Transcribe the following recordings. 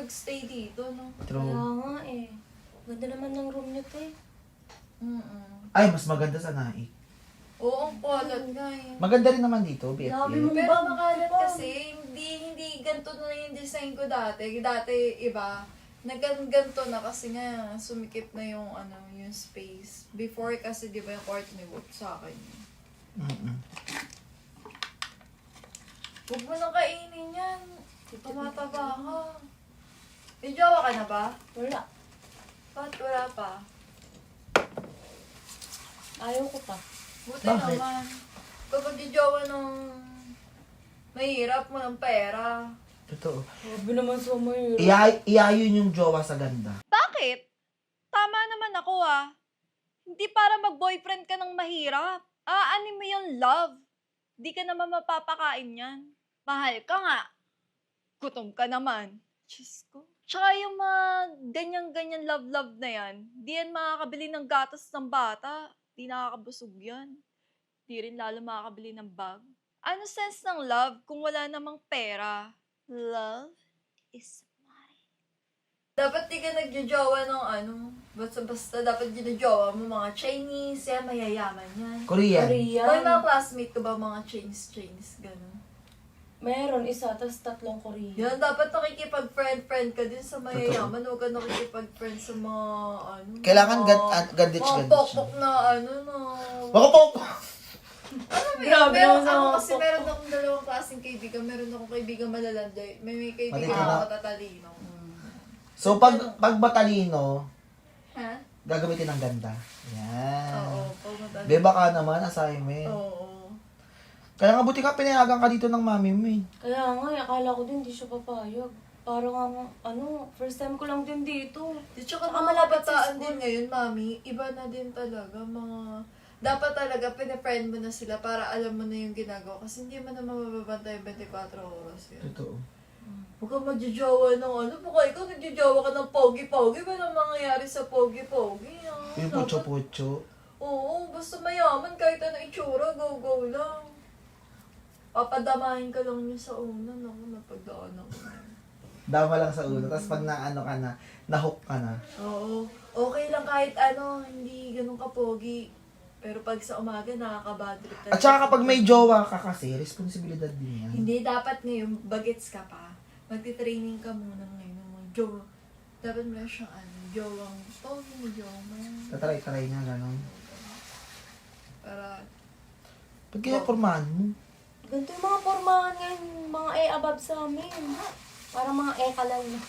magstay dito, no? True. Kaya nga eh. Ganda naman ng room niyo, te. Ay, mas maganda sa Naik. Oo, ang kulat nga eh. Maganda rin naman dito, Grabe BFF. mo. Pero Bang, makalat bang. kasi, hindi ganito na yung design ko dati. Dati, iba. Nagganto na kasi nga, sumikip na yung, yung space. Before kasi, di ba yung kwarto ni Wolf sa akin. Mm-mm. Huwag mo nang kainin yan. Tumataba ka. May jowa ka na ba? Wala. Ba't wala pa? Ayaw ko pa. Buti Bakit? naman. Kapag jowa nung mahirap mo ng pera. Totoo. Grabe naman sa mahirap. Iayon yung jowa sa ganda. Bakit? Tama naman ako Hindi para mag-boyfriend ka ng mahirap. Aanin mo yung love. Di ka naman mapapakain yan. Mahal ka nga. Gutom ka naman. Diyos ko. Tsaka yung mga ganyan-ganyan love-love na yan, di yan makakabili ng gatas ng bata. Di nakakabusog yan. Di rin lalo makakabili ng bag. Ano sense ng love kung wala namang pera? Love is mine. Dapat di ka nagjojowa ng basta-basta dapat ginajowa mo mga Chinese, yan, mayayaman yan. Korean. Korean. May mga classmate ko ba mga Chinese, gano'n? Meron isa, tas 3 Korean. Yan, dapat nakikipag-friend ka din sa mayayaman. Huwag ka nakikipag-friend sa mga, Kailangan mga gandich mga pokpok na, Wako po! Grabe meron naman sa ako mga kasi pokpok. meron akong dalawang klaseng kaibigan. Meron akong kaibigan malalanday. May kaibigan Matalino. ako matatalino. So, pag matalino, Ha? gagamitin ng ganda. Yan. Oo, pag matalino. Beba ka naman, assignment. Oo. Kaya nga buti ka, pinayagan ka dito ng mami mo eh. Kaya nga, akala ko din di siya papayag. Parang first time ko lang din dito. Di tsaka Tsaka mga malapit sa kabataan school. din ngayon, mami, iba na din talaga. Dapat talaga, pina-friend mo na sila para alam mo na yung ginagawa. Kasi hindi mo naman mababantay 24 oras yan. Totoo. Huwag kang magjojowa ng baka ikaw nagjojowa ka ng pogi-pogi. Ba nang mangyayari sa pogi-pogi? Yung pucho-pucho. Oo, basta mayaman kahit ano itsura, go-go lang. Papadamahin ka lang niya sa una. Naku, napagdaan ako. Dama lang sa ulo. Tapos pag naano ka na, nahook ka na. Oo. Okay lang kahit hindi ganun kapogi. Pero pag sa umaga, nakaka-bad trip talaga. At saka kapag may jowa ka kasi, responsibilidad din yan. Hindi, dapat ngayon, bagets ka pa. Magti-training ka muna ngayon ng mga jowa. Dapat meron siyang jowang pogi, may jowang man. Tatry-try na, gano'n. Para, Pag kaya pormahan mo. Ganito yung mga pormahan ngayon, mga above sa amin. Parang mga kalal na.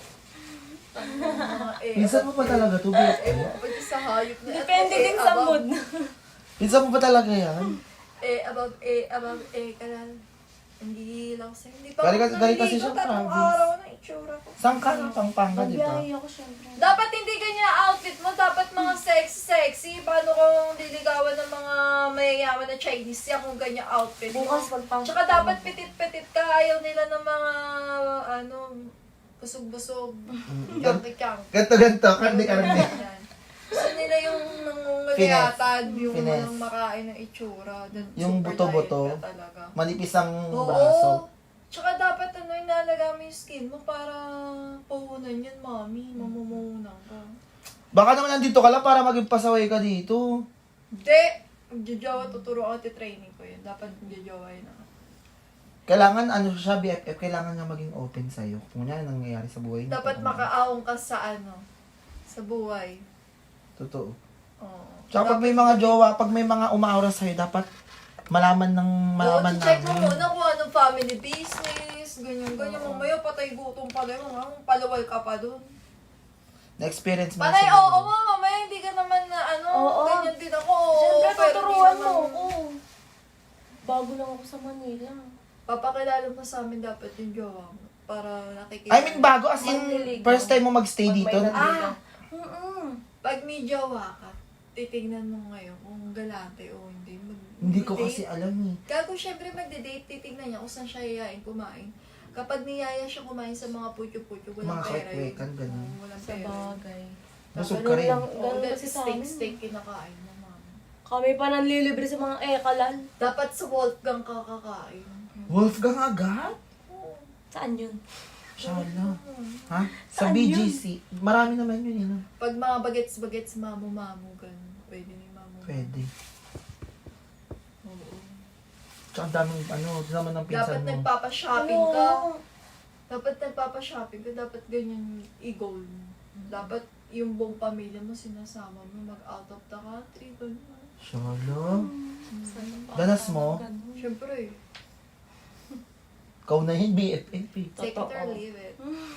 mga Pinsan mo pa talaga to, BFF? pwede sa hayop na. Depende din sa mood. Pinsan mo pa talaga yan? Above, kalal. Hindi lang sa'yo. Hindi pa Galing kasi siya tatlong province. araw na itsura ko. Saan ka na? Pampanga, di ba? Magbiyahe ako syempre. Dapat hindi ganyan outfit mo. Dapat mga sexy. Paano kung liligawan ng mga mayayaman na Chinese yan kung ganyan outfit mo? Bukas pagpasok. Tsaka dapat petit-petit ka. Ayaw nila ng mga, busog-busog. Kyang-kyang. Ganto, karne. Gusto nila yung nangunguliatan, yung Finesse. walang makain ng itsura. Yung Super buto-buto. diet ka talaga. Manipis ang Oo. braso. Tsaka dapat inalaga mo yung skin mo para puhunan yan, mami. Mamumuhunan ka. Baka naman nandito ka lang para maging pasaway ka dito. Hindi! Magjojowa, tuturo ako training ko yun. Dapat magjojowa yun ako. Kailangan, siya, BFF, kailangan niya maging open sa'yo. Kung yan ang nangyayari sa buhay niya. Dapat makaawang ka sa sa buhay. Totoo. Oo. Tsaka pag may mga jowa, pag may mga umaura sa'yo, dapat malaman check mo namin. muna kung anong family business, ganyan. Mamaya patay gutom pa na yun, palawal ka pa dun. Na-experience mo na Panay, siguro. oo mo, mamaya hindi ka naman na Oo. ganyan din ako. Siyempre, pero tuturuan hindi mo naman- ako. Bago lang ako sa Manila. Papakilala mo sa amin dapat yung jowa mo. Para nakikita. I mean, bago as in, Manliligaw. first time mo magstay dito. Pag may nandito. Pag may jowa ka, titignan mo ngayon kung galante o hindi. Hindi ko Mag-date. kasi alam eh. Gago, syempre magde-date, titignan niya kung saan siya yayain kumain. Kapag niyaya siya kumain sa mga putyo-putyo, walang Mga pera yun. kwek-kwekan, ganun. Oo, walang Sa pera. bagay. Busog ka Ganun rin. lang, Oo, ganun that kasi sa amin. steak kinakain mo, mama. Kami pa nanlilibre sa mga kalal. Dapat sa Wolfgang ka kakain. Wolfgang agad? Oo. Saan yun? Shala. Ha? Sa Saan yun? BGC. Marami naman yun, yun. Pag mga bagets-bagets, mamu-mamu, ganun. Pwede na yung mamu. Pwede. Oo. Tsaka ang daming, naman ng pinsan Dapat mo. nagpapa-shopping ka. Oo. Dapat nagpapa-shopping ka. Dapat ganyan i-goal mo. Dapat yung buong pamilya mo sinasama mo mag-out of the country. Ganun. Shala. Danas mo? Siyempre, Ikaw na yun, BFF eh. take it Totoo. or leave it.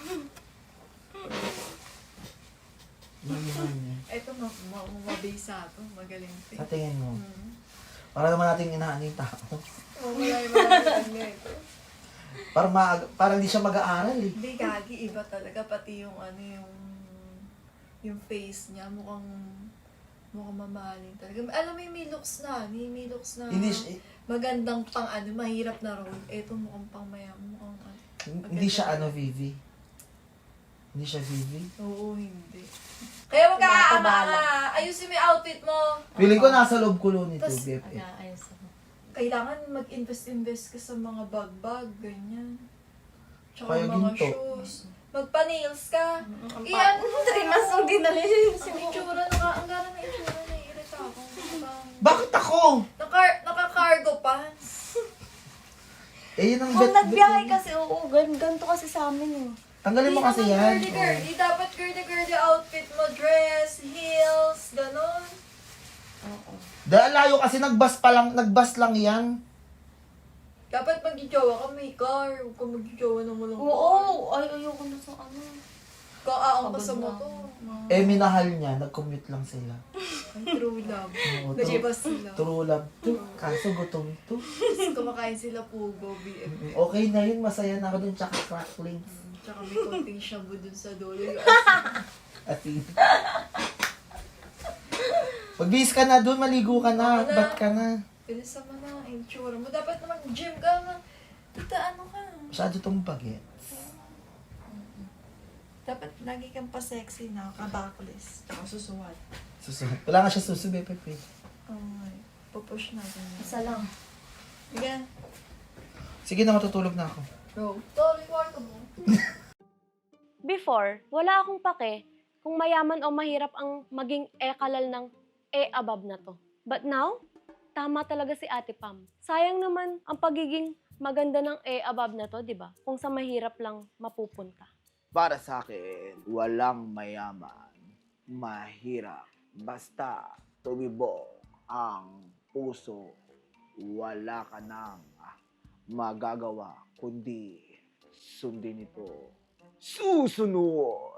Yun. Ito, mabisa to. Magaling to. Sa tingin mo. Mm. Para naman natin inaano yung tao. Wala yung mga ito. Para hindi siya mag-aaral eh. Hindi, gagi. Iba talaga. Pati yung yung face niya. Mukhang mamahalin talaga. Alam mo yung may looks na. May looks na. Hindi, siya- Magandang pang mahirap na role. Ito mukhang pang mayam. Mukhang hindi siya Vivi. Hindi siya Vivi. Oo, hindi. Kaya magkakaama Tumatubala. ka. Ayusin mo yung outfit mo. Feeling ko nasa loob ko nito, Tas- BFF. Ayos ako. Kailangan mag-invest ka sa mga bag, ganyan. Tsaka Kaya mga ginto. shoes. Magpa-nails ka. Ang Iyan, 3 months nung dinali. ang itsura, ang gara na itsura, naiirita ako. Bakit ako? Naka-cargo pants. Eh, yun ang Kung bet- nagbiyahe kasi, oo, ganito kasi sa amin eh. Tanggalin mo kasi Hindi yan. naman girly-girly. Dapat girly-girly outfit mo. Dress, heels, ganon. Oo. Dahil layo kasi nagbas lang yan. Dapat mag-jowa ka, may car. Huwag ka mag-jowa ng walang car. Oo, ay, ayoko na sa ano. Kaaang ka sa Pagod na. motor. Eh, minahal niya, nag-commute lang sila. Ay, true love. Oo, Nag-ibas sila. True love to. Kaso gutom to. Tapos kumakain sila pugo, BF. Okay na yun, masaya na ako dun, tsaka cracklings. Tsaka may konting shabu dun sa dulo. Yung Asin. Pagbihis ka na dun, maligo ka na, Ako na. bat ka na. Pinasa mo na, yung tsura mo. Dapat naman gym ka na. Tita, ano ka? Masyado tong bagets. Dapat lagi kang pa-sexy na, ka-backless. Tsaka susuwat. Susunod. Wala nga siya susubi, Pepe. Okay. Pupush natin yan. Isa lang. Again. Sige na, matutulog na ako. Go. Sorry, kwarto mo. Before, wala akong pake kung mayaman o mahirap ang maging e-kalal ng e-above na to. But now, tama talaga si Ate Pam. Sayang naman ang pagiging maganda ng e-above na to, di ba? Kung sa mahirap lang mapupunta. Para sa akin, walang mayaman, mahirap. Basta tumibok ang puso, wala ka nang magagawa kundi sundin ito. Susunod!